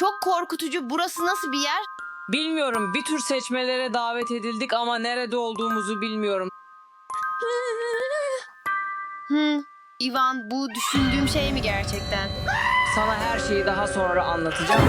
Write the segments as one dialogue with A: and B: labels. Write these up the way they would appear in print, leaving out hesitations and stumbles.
A: Çok korkutucu. Burası nasıl bir yer?
B: Bilmiyorum, bir tür seçmelere davet edildik ama nerede olduğumuzu bilmiyorum.
A: Ivan, bu düşündüğüm şey mi gerçekten?
B: Sana her şeyi daha sonra anlatacağım.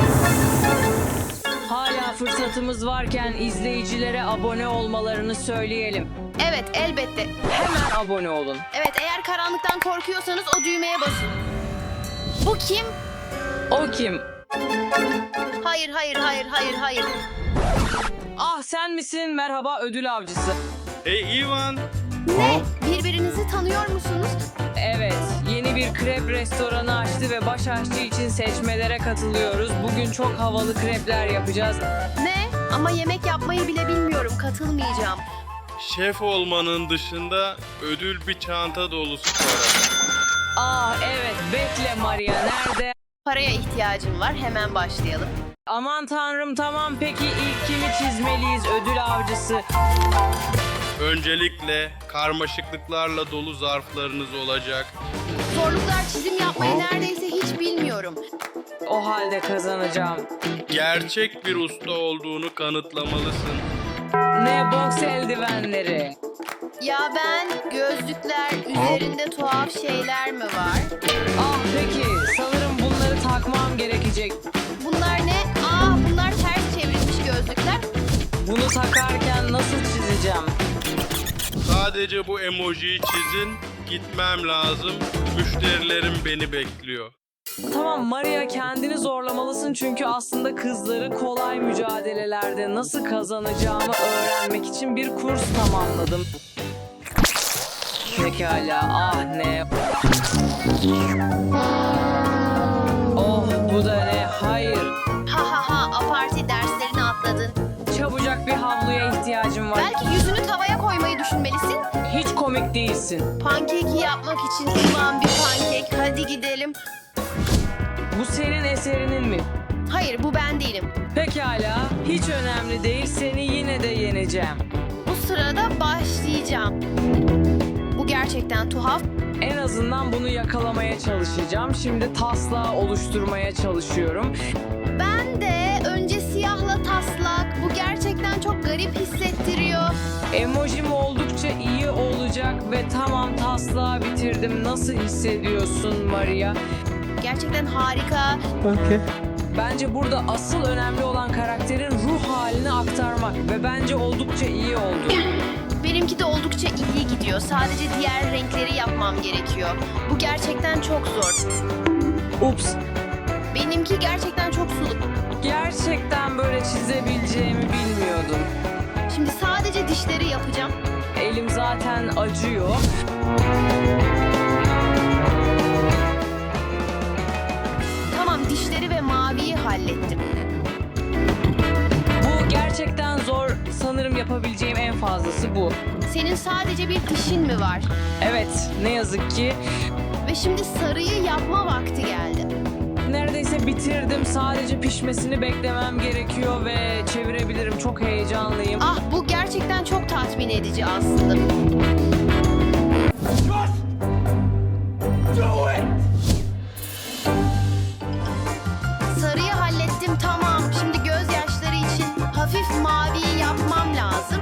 B: Hala fırsatımız varken izleyicilere abone olmalarını söyleyelim.
A: Evet, elbette.
B: Hemen abone olun.
A: Evet, eğer karanlıktan korkuyorsanız o düğmeye basın. Bu kim?
B: O kim?
A: Hayır, hayır, hayır, hayır, hayır.
B: Ah, sen misin? Merhaba ödül avcısı.
C: Hey Ivan,
A: Ne? Birbirinizi tanıyor musunuz?
B: Evet, yeni bir krep restoranı açtı ve baş aşçı için seçmelere katılıyoruz. Bugün çok havalı krepler yapacağız.
A: Ne? Ama yemek yapmayı bile bilmiyorum. Katılmayacağım.
C: şef olmanın dışında ödül bir çanta dolusu para.
B: Ah evet, bekle Maria, nerede?
A: Paraya ihtiyacım var. Hemen başlayalım.
B: Aman tanrım, tamam, peki ilk kimi çizmeliyiz ödül avcısı?
C: Öncelikle karmaşıklıklarla dolu zarflarınız olacak.
A: Zorluklar çizim yapmayı neredeyse hiç bilmiyorum.
B: O halde kazanacağım.
C: Gerçek bir usta olduğunu kanıtlamalısın.
B: Ne boks eldivenleri?
A: Ya ben, gözlükler, üzerinde tuhaf şeyler mi var?
B: Ah peki, sanırım bunları takmam gerekecek.
A: Bunlar ne? Bunlar ters çevrilmiş gözlükler.
B: Bunu takarken nasıl çizeceğim?
C: Sadece bu emojiyi çizin, gitmem lazım. Müşterilerim beni bekliyor.
B: Tamam Maria, kendini zorlamalısın çünkü aslında kızları kolay mücadelelerde nasıl kazanacağımı öğrenmek için bir kurs tamamladım. Pekala, ah ne? Oh, bu da ne? Hayır.
A: Aparti derslerini atladın.
B: Çabucak bir havluya ihtiyacım var.
A: Belki yüzünü tavaya koymayı düşünmelisin.
B: Hiç komik değilsin.
A: Pankeki yapmak için ıvan bir pankek. Hadi gidelim.
B: Bu senin eserinin mi?
A: Hayır, bu ben değilim.
B: Pekala, hiç önemli değil. Seni yine de yeneceğim.
A: Bu sırada başlayacağım. Bu gerçekten tuhaf.
B: En azından bunu yakalamaya çalışacağım. Şimdi taslağı oluşturmaya çalışıyorum.
A: Ben de önce siyahla taslak. Bu gerçekten çok garip hissettiriyor.
B: Emojim oldukça iyi olacak ve tamam, taslağı bitirdim. Nasıl hissediyorsun Maria?
A: Gerçekten harika.
B: Bence burada asıl önemli olan karakterin ruh halini aktarmak ve bence oldukça iyi oldu.
A: Benimki de oldukça iyi gidiyor. Sadece diğer renkleri yapmam gerekiyor. Bu gerçekten çok zor.
B: Ups,
A: Benimki gerçekten çok sulu.
B: gerçekten böyle çizebileceğimi bilmiyordum.
A: Şimdi sadece dişleri yapacağım.
B: Elim zaten acıyor.
A: Tamam, dişleri ve maviyi hallettim.
B: Bu gerçekten zor. Sanırım yapabileceğim en fazlası bu.
A: Senin sadece bir dişin mi var?
B: Evet, ne yazık ki.
A: Ve şimdi sarıyı yapma vakti geldi.
B: Neredeyse bitirdim. Sadece pişmesini beklemem gerekiyor ve çevirebilirim. Çok heyecanlıyım.
A: Bu gerçekten çok tatmin edici aslında. Sarıyı hallettim, tamam. Şimdi gözyaşları için hafif maviyi yapmam lazım.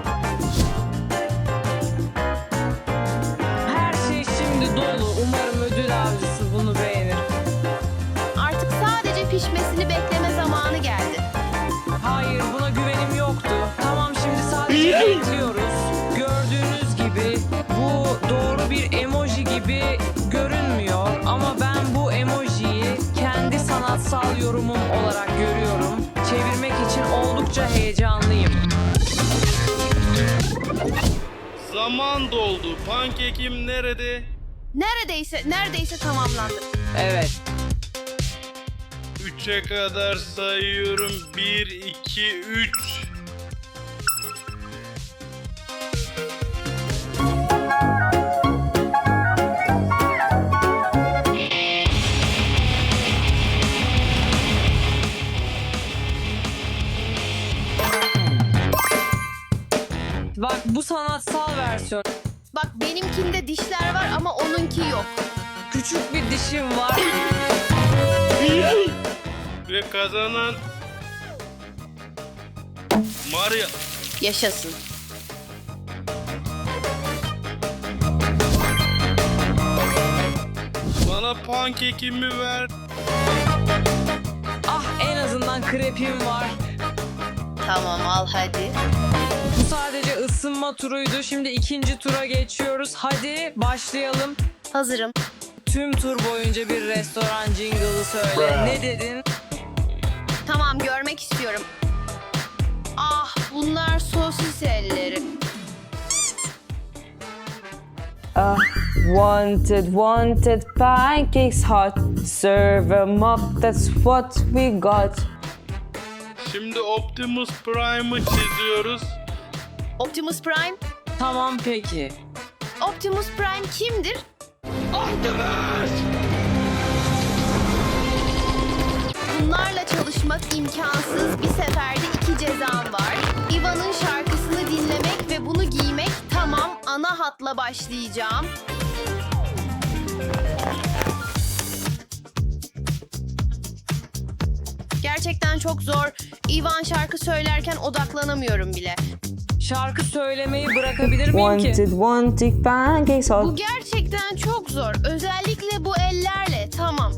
B: Her şey şimdi dolu. Umarım ödül avcısı bunu beğenir.
A: Artık sadece pişmesini bekleme zamanı geldi.
B: Hayır, buna güvenim yoktu. Tamam, şimdi sadece bekliyoruz. Gördüğünüz gibi bu doğru bir emoji gibi görünmüyor. Ama ben bu emojiyi kendi sanatsal yorumum olarak görüyorum. Çevirmek için oldukça heyecanlıyım.
C: Zaman doldu. Pankekim nerede?
A: Neredeyse tamamlandı.
B: Evet.
C: 3'e kadar sayıyorum. 1, 2, 3.
B: Bak, bu sanatsal versiyon.
A: Bak, benimkinde dişler var ama onunki yok.
B: Küçük bir dişim var.
C: Ve kazanan Maria.
A: Yaşasın.
C: Bana pankekimi ver.
B: Ah, en azından krepim var.
A: Tamam, al hadi.
B: Bu sadece ısınma turuydu. Şimdi ikinci tura geçiyoruz. Hadi başlayalım.
A: Hazırım.
B: Tüm tur boyunca bir restoran jingle'ı söyle. Ne dedin?
A: Tamam, görmek istiyorum. Ah, bunlar sosis elleri.
D: Wanted pancakes hot. Serve 'em up, that's what we got.
C: Şimdi Optimus Prime'ı çiziyoruz.
A: Optimus Prime?
B: Tamam peki.
A: Optimus Prime kimdir? Bunlarla çalışmak imkansız. Bir seferde 2 cezam var. Ivan'ın şarkısını dinlemek ve bunu giymek. Tamam, ana hatla başlayacağım. Gerçekten çok zor. Ivan şarkı söylerken odaklanamıyorum bile.
B: Şarkı söylemeyi bırakabilir miyim ki?
D: Wanted pancakes
A: Bu
D: hot.
A: gerçekten çok zor. Özellikle bu ellerle. Tamam.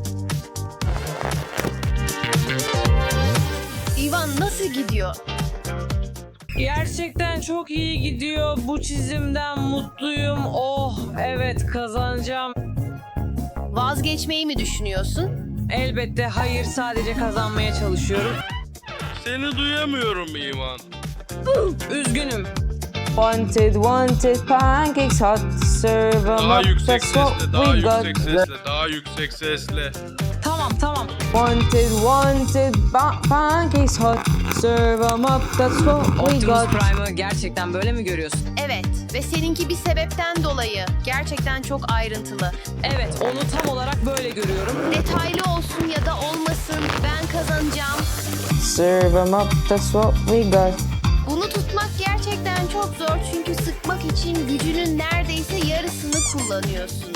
A: Ivan nasıl gidiyor?
B: Gerçekten çok iyi gidiyor. Bu çizimden mutluyum. Oh evet, kazanacağım.
A: Vazgeçmeyi mi düşünüyorsun?
B: Elbette hayır, sadece kazanmaya çalışıyorum.
C: Seni duyamıyorum Ivan.
B: Üzgünüm.
D: Wanted pancakes hot. Serve 'em
C: Daha
D: up,
C: yüksek
D: that's what
C: sesle, daha
D: we got.
C: yüksek sesle, daha yüksek sesle.
B: Tamam.
D: Wanted pancakes hot. Serve 'em up, that's what we
B: Optimus
D: got.
B: Prime'ı gerçekten böyle mi görüyorsun?
A: Evet ve seninki bir sebepten dolayı. Gerçekten çok ayrıntılı.
B: Evet, onu tam olarak böyle görüyorum.
A: Detaylı olsun ya da olmasın, ben kazanacağım.
D: Serve 'em up, that's what we got.
A: Bunu tutmak gerçekten çok zor çünkü sıkmak için gücünün neredeyse yarısını kullanıyorsun.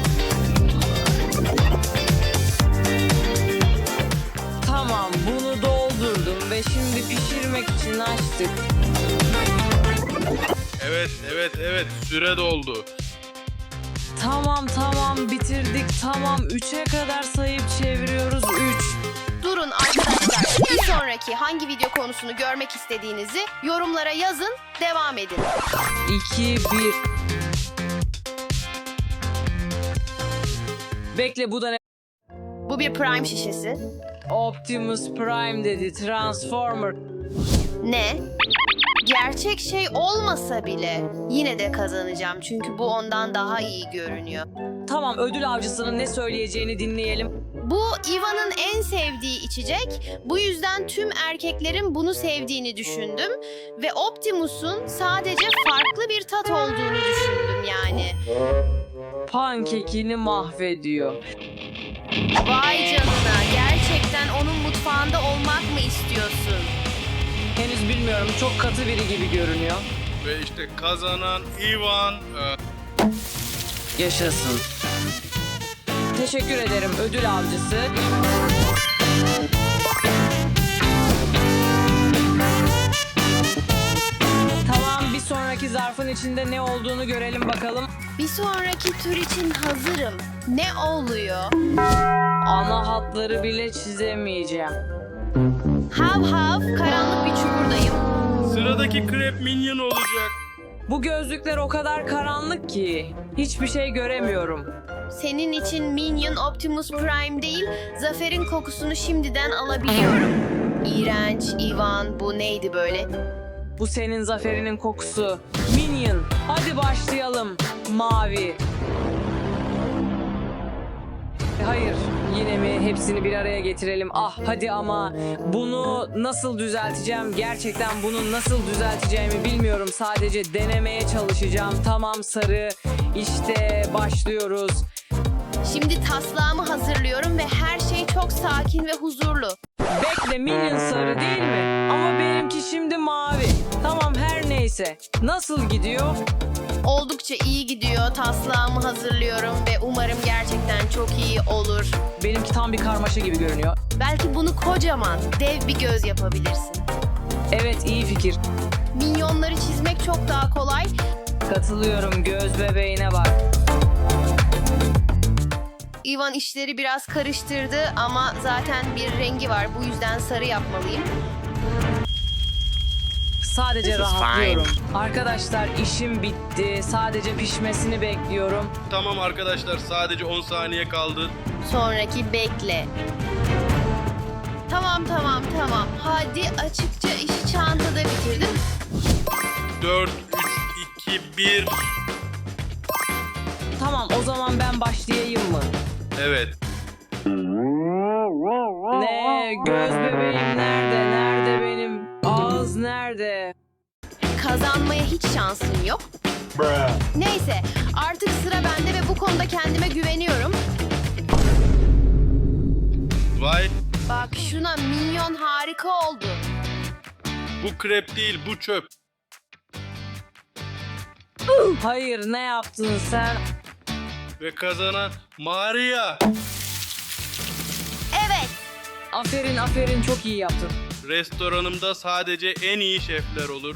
B: Tamam, bunu doldurdum ve şimdi pişirmek için açtık.
C: Evet, süre doldu.
B: Tamam, bitirdik. Tamam, 3'e kadar sayıp çeviriyoruz. 3.
A: Durun arkadaşlar. Bir sonraki hangi video konusunu görmek istediğinizi yorumlara yazın, devam edin.
B: 2, 1. Bekle, bu da ne?
A: Bu bir Prime şişesi.
B: Optimus Prime dedi. Transformer.
A: Ne? Gerçek şey olmasa bile yine de kazanacağım çünkü bu ondan daha iyi görünüyor.
B: Tamam, ödül avcısının ne söyleyeceğini dinleyelim.
A: Bu Ivan'ın en sevdiği içecek. Bu yüzden tüm erkeklerin bunu sevdiğini düşündüm. Ve Optimus'un sadece farklı bir tat olduğunu düşündüm yani.
B: Pankekini mahvediyor.
A: Vay canına, gerçekten onun mutfağında olmak mı istiyorsun?
B: Henüz bilmiyorum, çok katı biri gibi görünüyor.
C: Ve işte kazanan Ivan.
B: Yaşasın. Teşekkür ederim ödül avcısı. Tamam, bir sonraki zarfın içinde ne olduğunu görelim bakalım.
A: Bir sonraki tur için hazırım. Ne oluyor?
B: Ana hatları bile çizemeyeceğim.
A: Hav hav, karanlık bir çukurdayım.
C: Sıradaki Crab Minion olacak.
B: Bu gözlükler o kadar karanlık ki hiçbir şey göremiyorum.
A: Senin için Minion Optimus Prime değil, zaferin kokusunu şimdiden alabiliyorum. İğrenç, Ivan, bu neydi böyle?
B: Bu senin zaferinin kokusu. Minion, hadi başlayalım. Mavi. Hayır, yine mi? Hepsini bir araya getirelim. Ah hadi ama bunu nasıl düzelteceğim? Gerçekten bunu nasıl düzelteceğimi bilmiyorum. Sadece denemeye çalışacağım. Tamam, sarı. İşte başlıyoruz.
A: Şimdi taslağımı hazırlıyorum ve her şey çok sakin ve huzurlu.
B: Bekle, Minion sarı değil mi? Ama benimki şimdi mavi. Tamam, her neyse. Neyse, nasıl gidiyor?
A: Oldukça iyi gidiyor. Taslağımı hazırlıyorum ve umarım gerçekten çok iyi olur.
B: Benimki tam bir karmaşa gibi görünüyor.
A: Belki bunu kocaman, dev bir göz yapabilirsin.
B: Evet, iyi fikir.
A: Minyonları çizmek çok daha kolay.
B: Katılıyorum, göz bebeğine bak.
A: Ivan işleri biraz karıştırdı ama zaten bir rengi var. Bu yüzden sarı yapmalıyım.
B: Sadece rahatlıyorum. Arkadaşlar, işim bitti. Sadece pişmesini bekliyorum.
C: Tamam arkadaşlar, sadece 10 saniye kaldı.
A: Sonraki bekle. Tamam. Hadi, açıkça işi çantada bitirdim.
C: 4, 3, 2, 1.
B: Tamam, o zaman ben başlayayım mı?
C: Evet.
B: Ne? Göz bebeğim nerede? Nerede benim? Ağız nerede?
A: Kazanmaya hiç şansın yok. Neyse, artık sıra bende ve bu konuda kendime güveniyorum.
C: Vay,
A: Bak şuna, minyon harika oldu.
C: bu krep değil, bu çöp.
B: Hayır, ne yaptın sen?
C: Ve kazanan Maria.
A: Evet,
B: Aferin, çok iyi yaptın.
C: Restoranımda sadece en iyi şefler olur.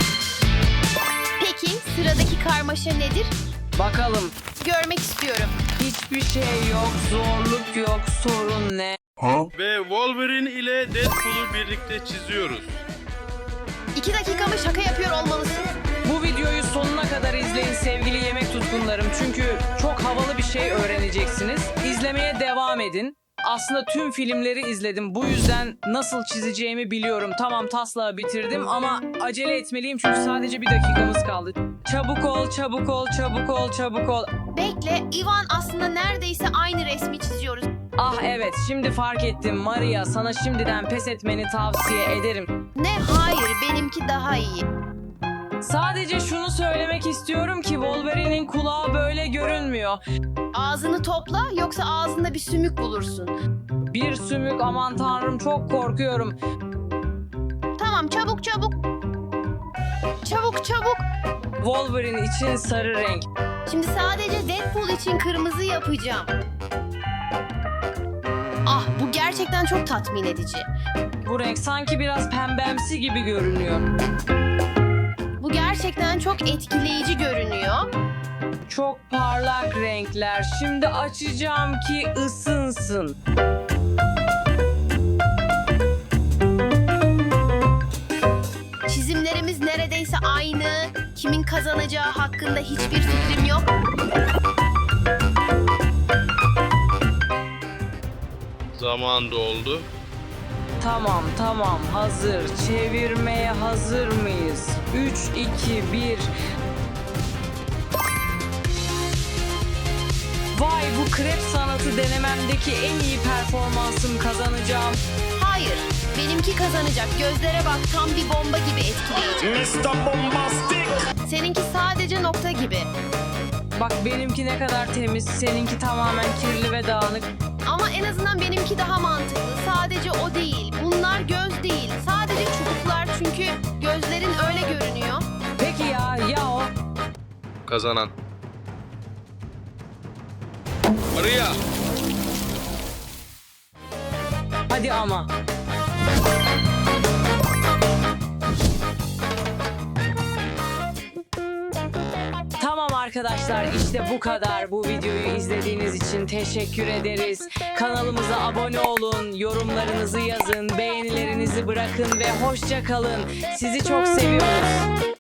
A: peki sıradaki karmaşa nedir?
B: Bakalım.
A: Görmek istiyorum.
B: Hiçbir şey yok, zorluk yok, sorun ne?
C: Ve Wolverine ile Deadpool'u birlikte çiziyoruz.
A: 2 dakika mı şaka yapıyor olmalısın?
B: Bu videoyu sonuna kadar izleyin sevgili yemek tutkunlarım. Çünkü çok havalı bir şey öğreneceksiniz. İzlemeye devam edin. Aslında tüm filmleri izledim. Bu yüzden nasıl çizeceğimi biliyorum. Tamam, taslağı bitirdim ama acele etmeliyim çünkü sadece bir dakikamız kaldı. Çabuk ol.
A: Bekle, Ivan aslında neredeyse aynı resmi çiziyoruz.
B: Ah evet, şimdi fark ettim. Maria, sana şimdiden pes etmeni tavsiye ederim.
A: Ne? Hayır, benimki daha iyi.
B: Sadece şunu söylemek istiyorum ki Wolverine'in kulağı böyle görünmüyor.
A: Ağzını topla, yoksa ağzında bir sümük bulursun.
B: Bir sümük, aman tanrım, çok korkuyorum.
A: Tamam, çabuk. Çabuk.
B: Wolverine için sarı renk.
A: Şimdi sadece Deadpool için kırmızı yapacağım. Ah, bu gerçekten çok tatmin edici.
B: Bu renk sanki biraz pembemsi gibi görünüyor.
A: Bu gerçekten çok etkileyici görünüyor.
B: Çok parlak renkler. Şimdi açacağım ki ısınsın.
A: Çizimlerimiz neredeyse aynı. Kimin kazanacağı hakkında hiçbir fikrim yok.
C: Zaman doldu.
B: Tamam, hazır. Çevirmeye hazır mıyız? 3, 2, 1. Vay, bu krep sanatı denememdeki en iyi performansım, kazanacağım.
A: Hayır, benimki kazanacak. Gözlere bak, tam bir bomba gibi etkileyici.
E: Mr. Bombastic.
A: Seninki sadece nokta gibi.
B: Bak benimki ne kadar temiz, seninki tamamen kirli ve dağınık.
A: Ama en azından benimki daha mantıklı. Sadece o değil. Bunlar göz değil. Sadece çubuklar, çünkü gözlerin öyle görünüyor.
B: Peki ya o?
C: Kazanan Maria.
B: Hadi ama. Tamam arkadaşlar, işte bu kadar. Bu videoyu izlediğiniz için teşekkür ederiz. Kanalımıza abone olun, yorumlarınızı yazın, beğenilerinizi bırakın ve hoşça kalın. Sizi çok seviyoruz.